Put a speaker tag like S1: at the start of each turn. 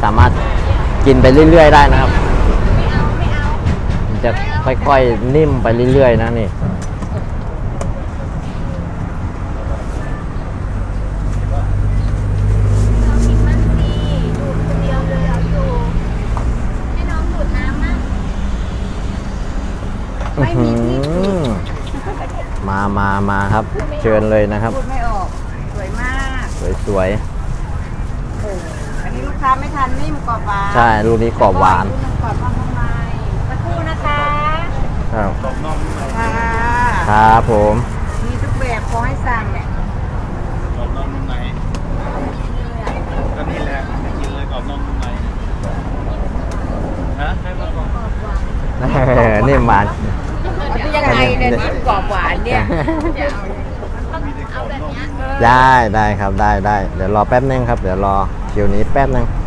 S1: สามารถกินไปเรื่อยๆได้นะครับมันจะค่อยๆนิ่มไปเรื่อยๆนะนี่มาครับเชิญเลยนะครับ
S2: พูดไม่ออกสวยมาก
S1: สวย
S2: อันนี้ลูกค้าไม่ทันนิ่มกรอบหวาน
S1: ใช่ลูกนี้กรอบหวาน
S2: กรอบนอกนุ่มในสักครู่นะคะ
S1: ครับ
S2: ค่ะ
S1: ครับผม
S2: มีทุกแบบขอให้สั่ง
S3: กรอบนอกนุ่มในก็นี่แหละกินเลยกรอบนอกนุ่มในฮะให้มากรอบ
S1: นี่มา
S2: ยังไงเนี่ยนิ่มกรอบหวานเนี่ย
S1: ได้ครับได้เดี๋ยวรอแป๊บนึงครับเดี๋ยวรอคิวนี้แป๊บนึง